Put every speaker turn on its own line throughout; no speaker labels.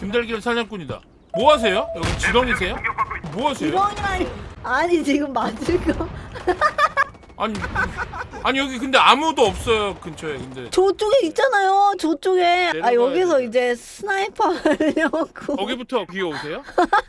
김달걀 사냥꾼이다. 뭐 하세요? 여기 지렁이세요? 뭐 하세요?
지렁이라니. 아니 지금 맞을 거.
아니 여기 근데 아무도 없어요 근처에. 근데
저쪽에 있잖아요. 저쪽에. 아
내려가야
여기서
되잖아.
이제 스나이퍼 하려고.
거기부터 귀여우세요?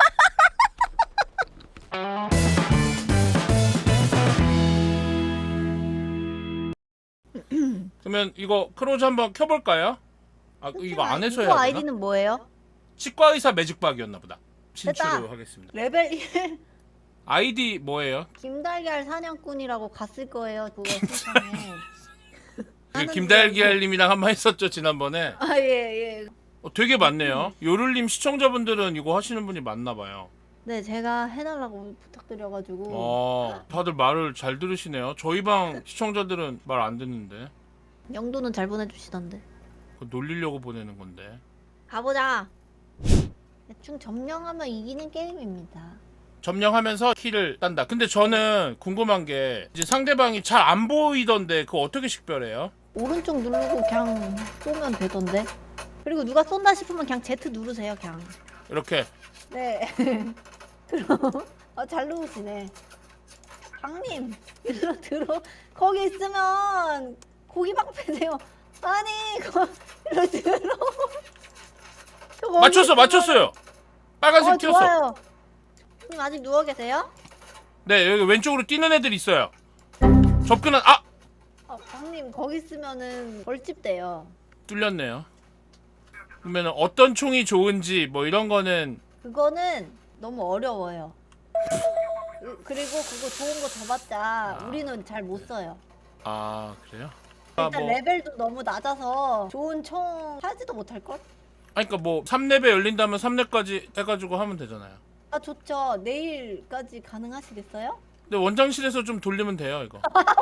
그러면 이거 크로즈 한번 켜볼까요? 아 이거 안에서 해야
이거
되나?
아이디는 뭐예요?
치과의사 매직박이었나 보다.
됐다.
진출을 하겠습니다.
레벨 1
아이디 뭐예요?
김달걀 사냥꾼이라고 갔을 거예요. 그거 세상에.
그 김달걀님이랑 한번 했었죠 지난번에.
아 예.
되게 많네요. 요를님 시청자분들은 이거 하시는 분이 많나봐요.
네 제가 해달라고 부탁드려가지고.
다들 말을 잘 들으시네요. 저희 방 시청자들은 말 안 듣는데.
영도는 잘 보내주시던데.
그거 놀리려고 보내는 건데.
가보자. 대충 점령하면 이기는 게임입니다.
점령하면서 키를 딴다. 근데 저는 궁금한 게 이제 상대방이 잘 안 보이던데 그거 어떻게 식별해요?
오른쪽 누르고 그냥 쏘면 되던데. 그리고 누가 쏜다 싶으면 그냥 Z 누르세요 그냥.
이렇게.
네. 그럼 잘 누르시네. 강님 일로 들어. 거기 있으면 고기 방패세요. 아니 일로 들어.
맞췄어요. 빨간색 튀었어.
좋아요. 님 아직 누워 계세요?
네, 여기 왼쪽으로 뛰는 애들 있어요. 접근한
강님 거기 있으면은 벌집 돼요.
뚫렸네요. 그러면 어떤 총이 좋은지 뭐 이런 거는
그거는 너무 어려워요. 그리고 그거 좋은 거 줘봤자 우리는 잘 못 써요.
그래요?
일단 레벨도 너무 낮아서 좋은 총 사지도 못할걸?
그러니까 뭐 3렙에 열린다면 3렙까지 해가지고 하면 되잖아요.
좋죠. 내일까지 가능하시겠어요?
근데 원장실에서 좀 돌리면 돼요 이거.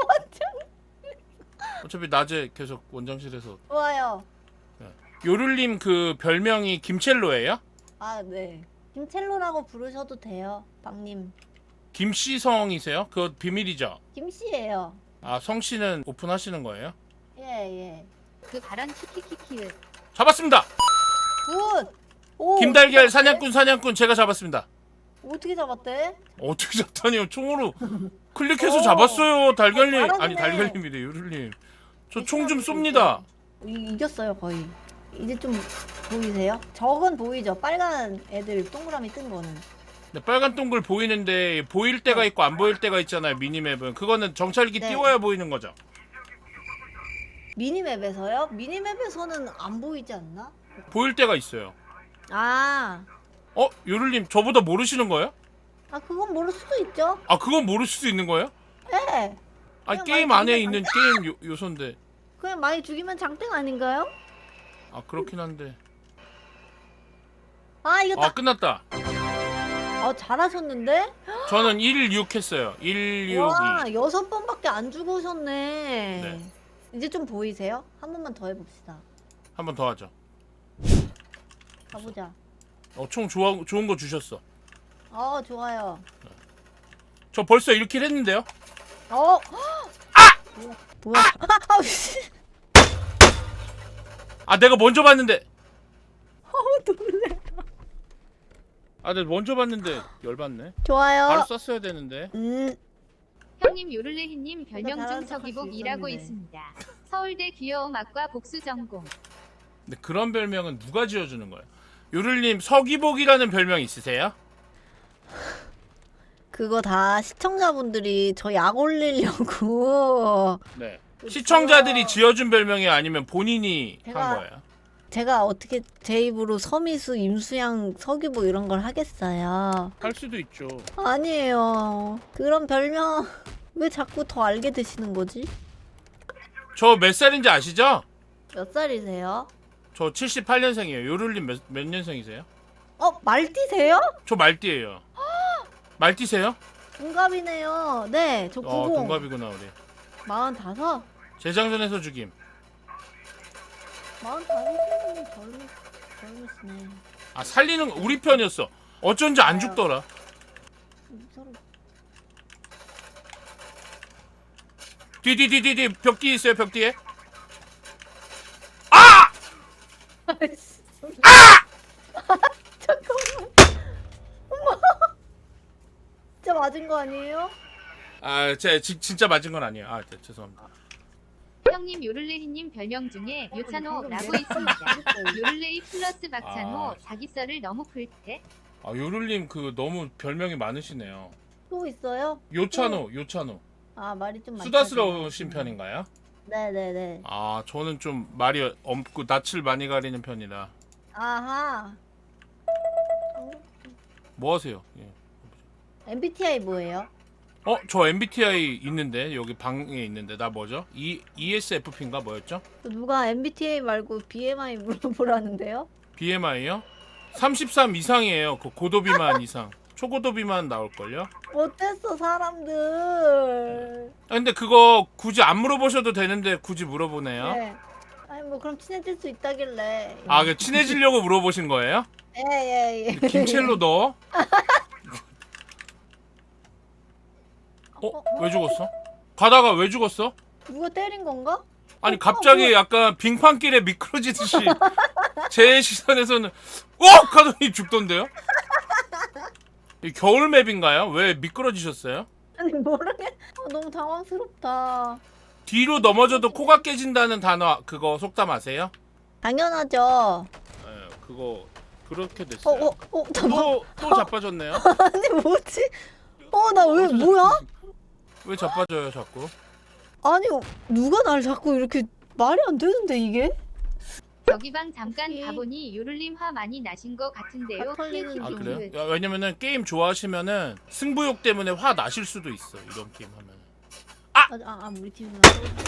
어차피 낮에 계속 원장실에서.
좋아요.
요를님 그 별명이 김첼로예요?
네. 김첼로라고 부르셔도 돼요, 박님.
김씨성이세요? 그거 비밀이죠?
김씨예요.
성씨는 오픈하시는 거예요?
예.
그 발언 키키키키.
잡았습니다!
굿! 오,
김달걀 사냥꾼 제가 잡았습니다.
어떻게 잡았대?
어떻게 잡다니요? 총으로 클릭해서
오.
잡았어요 달걀님.
잘하시네.
아니 달걀님이래 요를님. 저 총 좀 쏩니다.
이겼어요, 거의. 이제 좀 보이세요? 저건 보이죠? 빨간 애들 동그라미 뜬 거는.
네, 빨간 동글 보이는데 보일 때가 있고 안 보일 때가 있잖아요 미니맵은. 그거는 정찰기
네.
띄워야 보이는 거죠.
미니맵에서요? 미니맵에서는 안 보이지 않나?
보일 때가 있어요. 요를님 저보다 모르시는 거예요?
그건 모를 수도 있죠.
그건 모를 수도 있는 거예요?
네.
아니
그냥
게임
많이
안에
죽이면
있는 게임 요소인데.
그냥 많이 죽이면 장땡 아닌가요?
그렇긴 한데.
이겼다.
끝났다.
잘하셨는데?
저는 1-6 했어요. 1-6-2.
와, 6번밖에 안 죽으셨네.
네.
이제 좀 보이세요? 한 번만 더 해봅시다.
한 번 더 하죠.
가보자.
총 좋은 거 주셨어.
좋아요.
저 벌써 1킬 했는데요?
뭐야? 씨.
내가 먼저 봤는데.
놀래.
내가 먼저 봤는데 열받네.
좋아요.
바로 썼어야 되는데.
형님 요를레히님 별명
잘하는
중
척할 수
서기복이라고
있었는데.
있습니다. 서울대 귀여움 학과 복수 전공.
근데 그런 별명은 누가 지어주는 거예요? 요를님 서기복이라는 별명 있으세요?
그거 다 시청자분들이 저 약 올리려고.
네.
그쵸.
시청자들이 지어준 별명이 아니면 본인이 한 거예요?
제가 어떻게 제 입으로 서미수, 임수양, 서기복 이런 걸 하겠어요?
할 수도 있죠.
아니에요. 그런 별명 왜 자꾸 더 알게 되시는 거지?
저 몇 살인지 아시죠?
몇 살이세요?
저 78년생이에요. 요를님 몇 년생이세요?
말띠세요?
저 말띠예요. 말띠세요?
동갑이네요. 네, 저 90.
동갑이구나 우리.
45?
재장전에서 죽임.
45세는 젊으시네.
살리는 거 우리 편이었어. 어쩐지 안 죽더라.
서로
뒤 벽 뒤에 있어요. 벽 뒤에.
아이씨. 맞은 거 아니에요?
아, 제가 진짜 맞은 건 아니에요. 아, 네, 죄송합니다.
형님 요를레히님 별명 중에 요찬호라고 있습니다. 요를레히 플러스 박찬호
아.
자기 썰을 너무 풀때
아, 요를님 그 너무 별명이 많으시네요.
또 있어요?
요찬호.
아 말이 좀
수다스러우신 편인가요?
네네네.
아, 저는 좀 말이 없고 낯을 많이 가리는 편이라.
아하.
뭐 하세요? 예.
MBTI 뭐예요?
저 MBTI 있는데 여기 방에 있는데 나 뭐죠? ESFP인가 뭐였죠?
누가 MBTI 말고 BMI 물어보라는데요?
BMI요? 33 이상이에요. 그 고도비만 이상. 초고도비만 나올걸요?
못했어 사람들.
아, 근데 그거 굳이 안 물어보셔도 되는데 굳이 물어보네요.
네. 아니 뭐 그럼 친해질 수 있다길래.
아, 그 친해지려고 물어보신 거예요?
예예예.
김첼로 너? 왜 죽었어? 가다가 왜 죽었어?
누가 때린 건가?
아니 갑자기 약간 빙판길에 미끄러지듯이 제 시선에서는 하더니 죽던데요? 이 겨울 맵인가요? 왜 미끄러지셨어요?
아니 모르겠. 너무 당황스럽다.
뒤로 넘어져도 코가 깨진다는 단어 그거 속담 아세요?
당연하죠.
네, 그거 그렇게 됐어요.
잠깐.
또 자빠졌네요.
아니 뭐지? 나 왜 뭐야?
왜 자빠져요 자꾸?
아니 누가 날 자꾸 이렇게 말이 안 되는데 이게?
저기 방 잠깐 가보니 요를님 화 많이 나신 것 같은데요.
털리는
아
좀
그래요? 야, 왜냐면은 게임 좋아하시면은 승부욕 때문에 화 나실 수도 있어 이런 게임 하면.
우리 팀이라.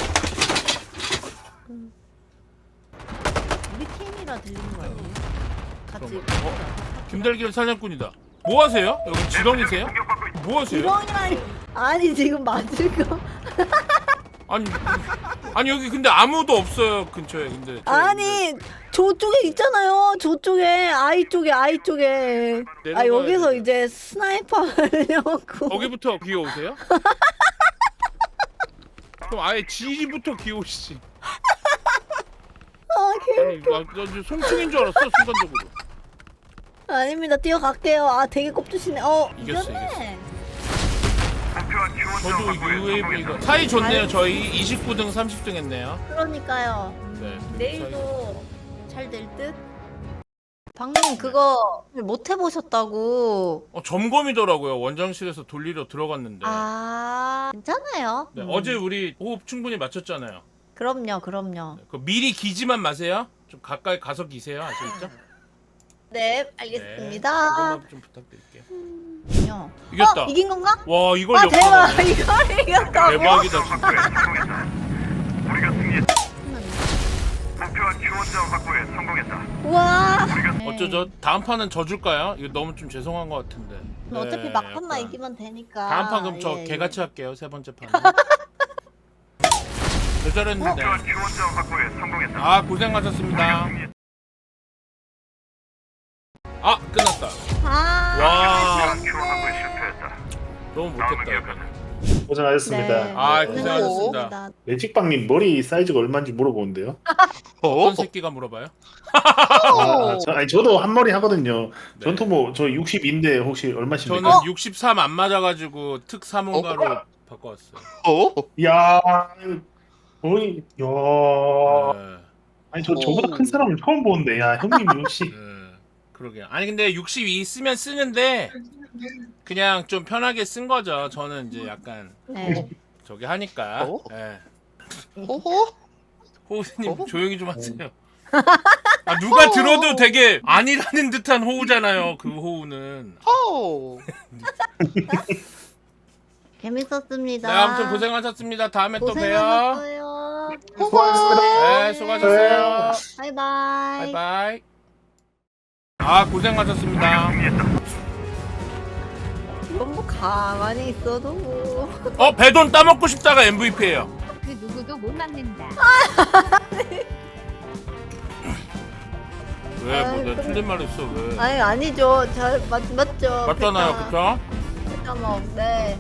우리 팀이라 들리는 거 아니에요? 같이.
김달길 사냥꾼이다. 뭐 하세요? 여기 지렁이세요? 뭐 하세요?
지렁이라니. 아니 지금 맞을 거.
아니 여기 근데 아무도 없어요 근처에. 근데
아니 저쪽에 있잖아요. 저쪽에 아이 쪽에. 아
내려가야
여기서
되죠.
이제 스나이퍼 하려고.
거기부터 기어오세요? 그럼 아예 지지부터 기어오시지. 아니 나 이제 송충인 줄 알았어 순간적으로.
아닙니다. 뛰어갈게요. 되게 꼽주시네.
이겼어,
이겼네.
저도 UAV가 사이 좋네요. 저희 29등 30등 했네요.
그러니까요.
네.
내일도 잘 될 듯? 방금 그거 못 해보셨다고.
점검이더라고요. 원장실에서 돌리러 들어갔는데.
괜찮아요.
네, 어제 우리 호흡 충분히 맞췄잖아요.
그럼요.
그 미리 기지만 마세요. 좀 가까이 가서 기세요. 아시겠죠?
네, 알겠습니다.
그것만 좀 부탁드릴게요.
이겼다.
이겼다.
이긴 건가?
와 이걸
대박.
역전하네.
이걸 이겼다고?
대박이다 진짜.
우리가 승리했다. 목표와 지원자 확보에 성공했다.
우와.
어쩌죠? 다음 판은 져줄까요? 이거 너무 좀 죄송한 것 같은데.
어차피
네,
막판만
약간.
이기면 되니까.
다음 판 그럼 저
예,
개같이 할게요. 세 번째 판. 잘했는데.
목표와 지원자 확보에 성공했다.
아 고생하셨습니다. 끝났다. 와
지원 확보에 실패했다.
너무 못했다 이번에.
고생하셨습니다.
네.
고생하셨습니다.
매직빵님 머리 사이즈가 얼마인지 물어보는데요.
어떤 새끼가 물어봐요?
저도 한 머리 하거든요.
네.
전투 저 60인데 혹시 얼마십니까?
저는 63 안 맞아가지고 특 사문가로 바꿔왔어요.
이야, 거의 야.
네.
아니 저보다 큰 사람을 처음 보는데, 야 형님 역시.
네. 그러게요. 아니 근데 62 쓰면 쓰는데 그냥 좀 편하게 쓴 거죠. 저는 이제 약간
네.
저기 하니까. 예. 호우님 조용히 좀 하세요. 누가 들어도 되게 아니라는 듯한 호우잖아요. 그 호우는.
재밌었습니다.
네, 아무튼 고생하셨습니다. 다음에 또 봬요.
고생하셨어요.
수고하셨습니다.
네, 수고하셨어요.
바이바이.
바이바이. 고생하셨습니다.
이건 뭐 가만히 있어도 뭐.
배돈 따먹고 싶다가 MVP예요.
그 누구도 못 막는다.
왜? 뭐 내가
그래.
틀린 말 했어 왜?
아니죠. 잘 맞죠.
맞잖아요, 그쵸?
네.